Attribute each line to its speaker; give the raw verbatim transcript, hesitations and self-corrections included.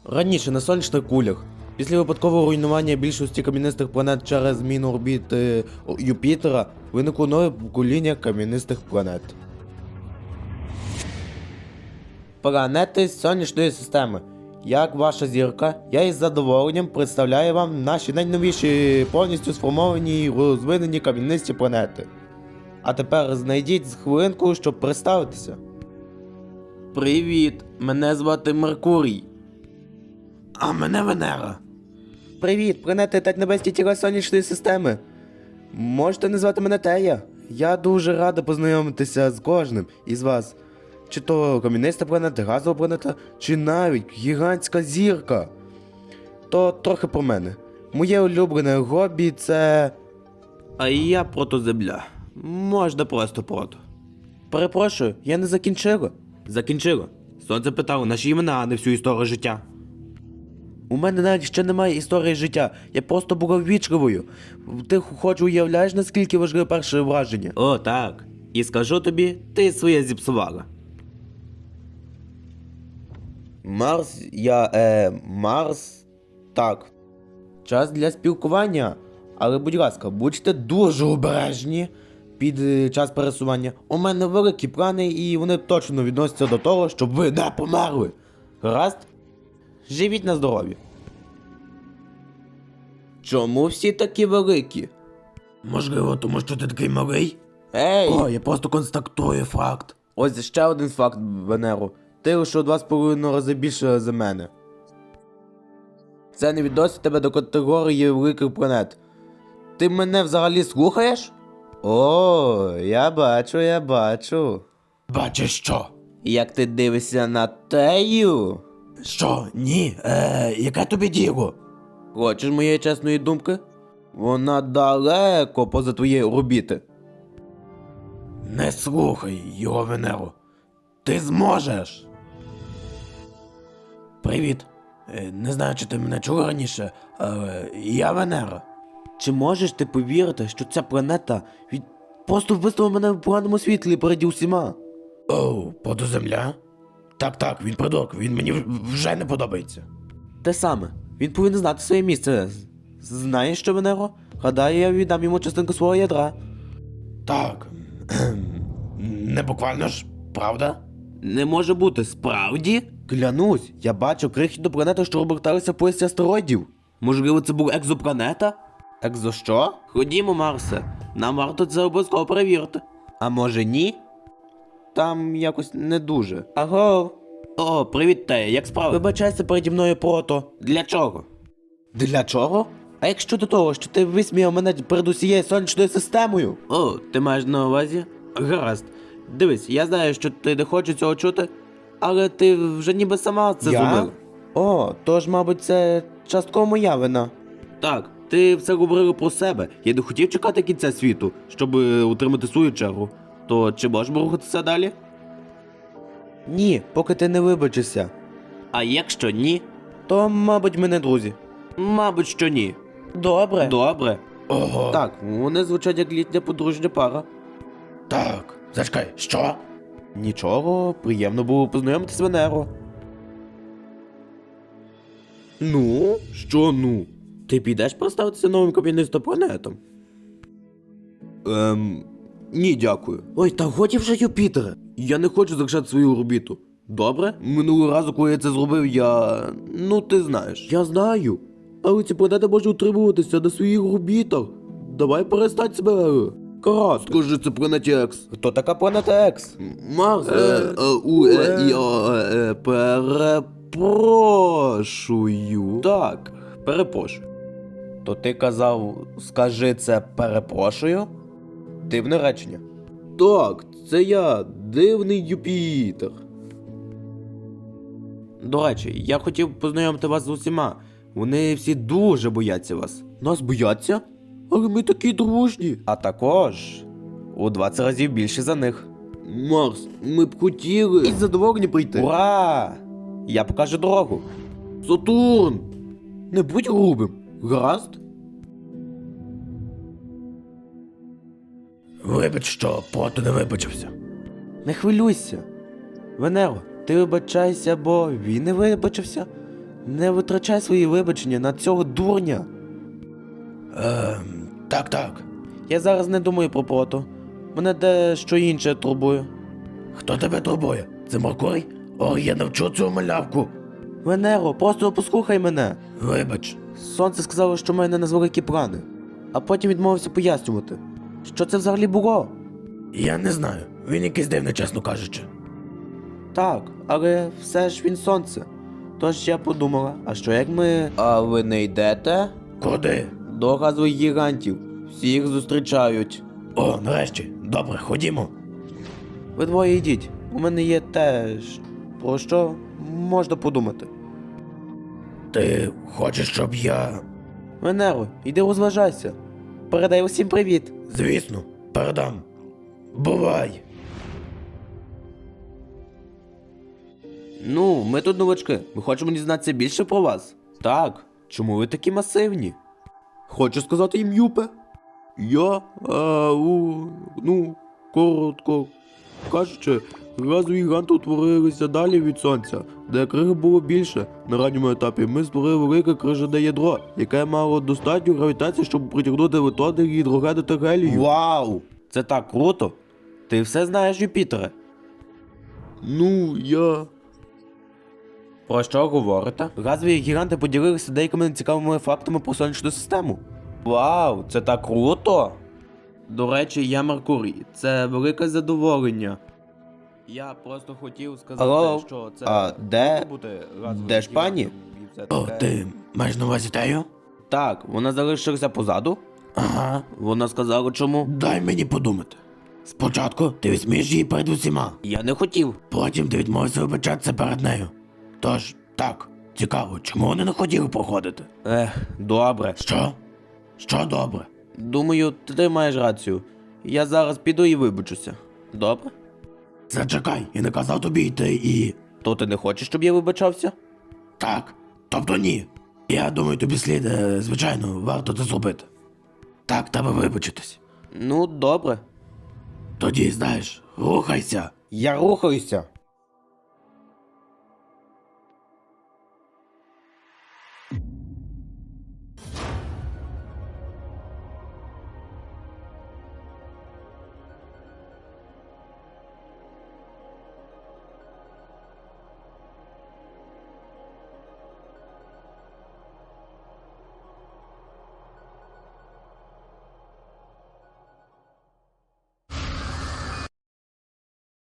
Speaker 1: Раніше на сонячних кулях, після випадкового руйнування більшості кам'янистих планет через зміну орбіти Юпітера, виникло нове покоління кам'янистих планет. Планети сонячної системи. Як ваша зірка, я із задоволенням представляю вам наші найновіші повністю сформовані і розвинені кам'янисті планети. А тепер знайдіть хвилинку, щоб представитися. Привіт, мене звати Меркурій. А мене Венера. Привіт, планети та небесні тіла сонячної системи. Можете назвати мене Тея. Я дуже рада познайомитися з кожним із вас. Чи то кам'яниста планета, газова планета, чи навіть гігантська зірка. То трохи про мене. Моє улюблене хобі це... А я протоземля. Можна просто прото. Перепрошую, я не закінчила. Закінчила. Сонце питало наші імена, а не всю історію життя. У мене навіть ще немає історії життя. Я просто була ввічливою. Ти хоч уявляєш, наскільки важливе перше враження? О, так. І скажу тобі, ти своє зіпсувала. Марс, я, е, Марс, так. Час для спілкування. Але, будь ласка, будьте дуже обережні під е, час пересування. У мене великі плани і вони точно відносяться до того, щоб ви не померли. Гаразд? Живіть на здоров'я. Чому всі такі великі? Можливо, тому що ти такий малий? Ей! О, я просто констатую факт. Ось ще один факт, Венеро. Ти лише у два з половиною рази більше за мене. Це не відносить тебе до категорії великих планет. Ти мене взагалі слухаєш? О, я бачу, я бачу. Бачиш що? Як ти дивишся на Тею? Що? Ні? Е, яке тобі діло? Хочеш моєї чесної думки? Вона далеко поза твоєї орбіти. Не слухай його, Венеро. Ти зможеш. Привіт. Е, Не знаю, чи ти мене чув раніше, але я Венера. Чи можеш ти повірити, що ця планета від... просто виставила мене в поганому світлі переді усіма? Оу, подоземля? Так-так, він придурок, він мені вже не подобається. Те саме, він повинен знати своє місце. Знаєш що, Венеро? Гадаю, я віддам йому частинку свого ядра. Так, не буквально ж, правда? Не може бути, справді? Клянусь, я бачив крихітну планету, що оберталася в поясі астероїдів. Можливо, це була екзопланета? Екзо що? Ходімо, Марсе, нам варто це обов'язково перевірити. А може ні? Там якось не дуже. Аго. О, привіт, Тея, як справи? Вибачайся переді мною прото. Для чого? Для чого? А як щодо того, що ти висміяв мене перед усією сонячною системою? О, ти маєш на увазі? Гаразд. Дивись, я знаю, що ти не хочеш цього чути, але ти вже ніби сама це
Speaker 2: Я?
Speaker 1: зробила. О, тож, мабуть, це частково моя вина. Так, ти все говорила про себе. Я не хотів чекати кінця світу, щоб е, утримати свою чергу. То чи можемо рухатися далі? Ні, поки ти не вибачишся. А якщо ні? То, мабуть, ми не друзі. Мабуть, що ні. Добре. Добре.
Speaker 2: Ого.
Speaker 1: Так, вони звучать як літня подружня пара.
Speaker 2: Так, зачекай, що?
Speaker 1: Нічого, приємно було познайомитися з Венеро. Ну? Що ну? Ти підеш представитися новим кам'янистим планетам? Ем... Ні, дякую. Ой, та годі вже, Юпітере. Я не хочу залишати свою орбіту. Добре? Минулого разу, коли я це зробив, я... Ну, ти знаєш. Я знаю. Але ці планети можуть утримуватися на своїх орбітах. Давай перестань себе... Карас, скажи, це планеті Екс. Хто така планета Екс? Марс, е, е, у, е, я, е, перепрошую. Так, перепрошую. То ти казав, скажи це перепрошую? Дивне речення. Так, це я, дивний Юпітер. До речі, я хотів познайомити вас з усіма. Вони всі дуже бояться вас. Нас бояться? Але ми такі дружні. А також у двадцять разів більше за них. Марс, ми б хотіли. І задоволені прийти. Ура! Я покажу дорогу. Сатурн! Не будь грубим. Гаразд?
Speaker 2: Вибач, що прото не вибачився.
Speaker 1: Не хвилюйся. Венеро, ти вибачайся, бо він не вибачився. Не витрачай свої вибачення на цього дурня.
Speaker 2: Ем, так, так.
Speaker 1: Я зараз не думаю про прото. Мене дещо інше турбує.
Speaker 2: Хто тебе турбує? Це Меркурій? О, я навчу цю малявку.
Speaker 1: Венеро, просто послухай мене.
Speaker 2: Вибач.
Speaker 1: Сонце сказало, що в мене надвеликі плани, а потім відмовився пояснювати. Що це взагалі було?
Speaker 2: Я не знаю. Він якийсь дивний, чесно кажучи.
Speaker 1: Так, але все ж він сонце. Тож я подумала, а що як ми. А ви не йдете?
Speaker 2: Куди?
Speaker 1: До газових гігантів. Всі їх зустрічають.
Speaker 2: О, нарешті. Добре, ходімо.
Speaker 1: Ви двоє йдіть. У мене є теж. Про що можна подумати.
Speaker 2: Ти хочеш, щоб я.
Speaker 1: Венеро, йди розважайся. Передай усім привіт.
Speaker 2: Звісно, передам. Бувай.
Speaker 1: Ну, ми тут новачки. Ми хочемо дізнатися більше про вас. Так, чому ви такі масивні? Хочу сказати їм Юпе. Я, а, у, ну, коротко кажучи, газові гіганти утворилися далі від сонця, де криги було більше. На ранньому етапі ми створили велике крижане ядро, яке мало достатню гравітацію, щоб притягнути електрони, гідрогени та гелію. Вау! Це так круто! Ти все знаєш, Юпітере? Ну, я. Про що говорите? Газові гіганти поділилися деякими цікавими фактами про сонячну систему. Вау, це так круто! До речі, я Меркурій. Це велике задоволення. Я просто хотів сказати,
Speaker 3: Алло?
Speaker 1: що це
Speaker 3: А де-
Speaker 1: може бути газовим
Speaker 3: де ж пані?
Speaker 1: гігантом і все
Speaker 2: О,
Speaker 1: таке.
Speaker 2: ти маєш на увазі Тею?
Speaker 1: Так, вона залишилася позаду.
Speaker 2: Ага.
Speaker 1: Вона сказала чому.
Speaker 2: Дай мені подумати. Спочатку ти висмієш її перед усіма.
Speaker 1: Я не хотів.
Speaker 2: Потім ти відмовився вибачатися перед нею. Тож, так, цікаво, чому вони не хотіли проходити?
Speaker 1: Ех, добре.
Speaker 2: Що? Що добре?
Speaker 1: Думаю, ти маєш рацію. Я зараз піду і вибачуся. Добре?
Speaker 2: Зачекай, я не казав тобі йти і.
Speaker 1: То ти не хочеш, щоб я вибачався?
Speaker 2: Так. Тобто ні. Я думаю, тобі слід, е, звичайно, варто це зробити. Так, треба вибачитись.
Speaker 1: Ну, добре.
Speaker 2: Тоді, знаєш, рухайся.
Speaker 1: Я рухаюся.